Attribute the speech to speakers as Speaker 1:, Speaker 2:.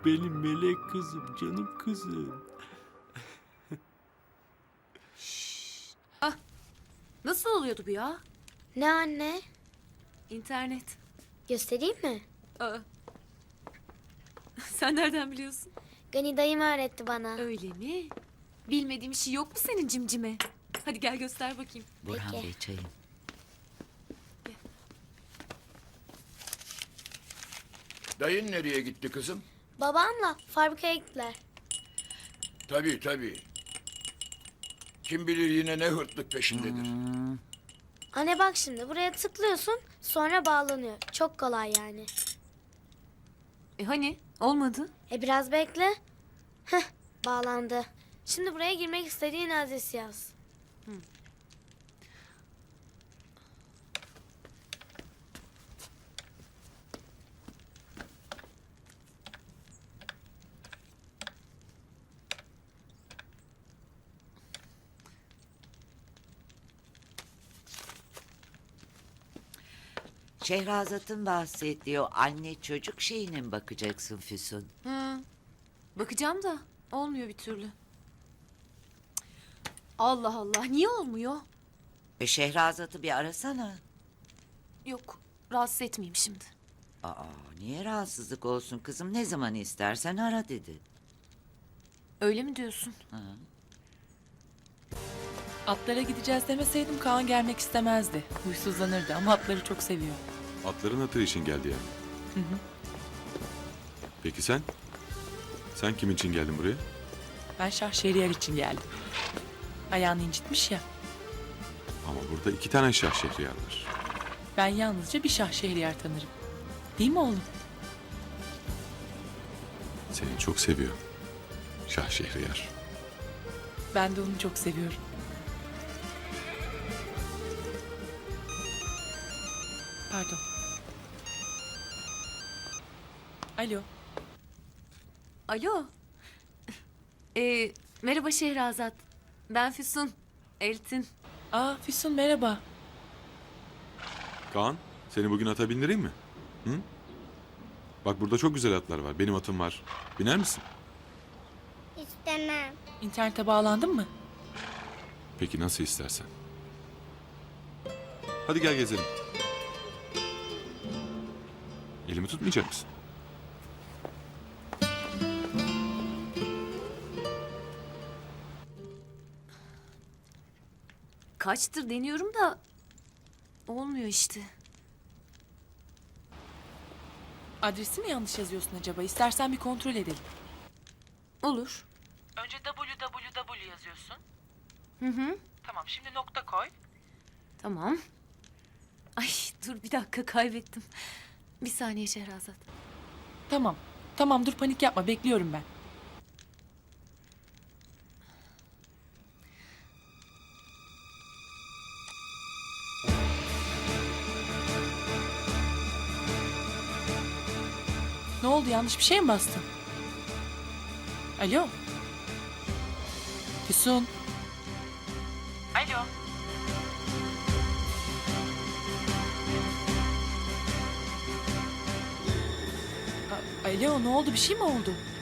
Speaker 1: Benim melek kızım, canım kızım.
Speaker 2: Nasıl oluyordu bu ya?
Speaker 3: Ne anne?
Speaker 2: İnternet.
Speaker 3: Göstereyim mi?
Speaker 2: Aa. Sen nereden biliyorsun?
Speaker 3: Gani dayım öğretti bana.
Speaker 2: Öyle mi? Bilmediğim şey yok mu senin cimcime? Hadi gel göster bakayım.
Speaker 4: Burhan
Speaker 3: Peki.
Speaker 4: Bey çayım.
Speaker 5: Dayın nereye gitti kızım?
Speaker 3: Babamla fabrikaya gittiler.
Speaker 5: Tabii tabii. Kim bilir yine ne hırtlık peşindedir.
Speaker 3: Anne bak şimdi buraya tıklıyorsun sonra bağlanıyor. Çok kolay yani.
Speaker 2: Hani? Olmadı.
Speaker 3: Biraz bekle. Heh, bağlandı. Şimdi buraya girmek istediğin adresi yaz.
Speaker 4: Şehrazat'ın bahsettiği o anne çocuk şeyine mi bakacaksın Füsun?
Speaker 2: Hı. Bakacağım da olmuyor bir türlü. Allah Allah, niye olmuyor?
Speaker 4: Şehrazat'ı bir arasana.
Speaker 2: Yok, rahatsız etmeyeyim şimdi.
Speaker 4: Aa, niye rahatsızlık olsun kızım? Ne zaman istersen ara dedi.
Speaker 2: Öyle mi diyorsun?
Speaker 6: Atlara gideceğiz demeseydim Kaan gelmek istemezdi. Huysuzlanırdı ama atları çok seviyor.
Speaker 7: Atların hatırı için geldi yani. Peki sen? Sen kim için geldin buraya?
Speaker 6: Ben Şah Şehriyar için geldim. Ayağını incitmiş ya.
Speaker 7: Ama burada 2 tane Şah Şehriyar var.
Speaker 6: Ben yalnızca bir Şah Şehriyar tanırım. Değil mi oğlum?
Speaker 7: Seni çok seviyor. Şah Şehriyar.
Speaker 6: Ben de onu çok seviyorum. Pardon. Alo.
Speaker 2: Alo. Merhaba Şehrazat. Ben Füsun. Eltin.
Speaker 6: Aa Füsun merhaba.
Speaker 7: Kaan, seni bugün ata bindireyim mi? Hı? Bak burada çok güzel atlar var. Benim atım var. Biner misin?
Speaker 3: İstemem.
Speaker 6: İnternete bağlandın mı?
Speaker 7: Peki nasıl istersen. Hadi gel gezelim. Elimi tutmayacak mısın?
Speaker 2: Kaçtır deniyorum da olmuyor işte.
Speaker 6: Adresi mi yanlış yazıyorsun acaba? İstersen bir kontrol edelim.
Speaker 2: Olur.
Speaker 6: Önce www yazıyorsun.
Speaker 2: Hı.
Speaker 6: Tamam şimdi nokta koy.
Speaker 2: Tamam. Ay dur bir dakika kaybettim. Bir saniye Şehrazat.
Speaker 6: Tamam. Tamam dur panik yapma bekliyorum ben. Ne oldu yanlış bir şey mi bastın? Alo. Füsun. Alo. Alo ne oldu bir şey mi oldu?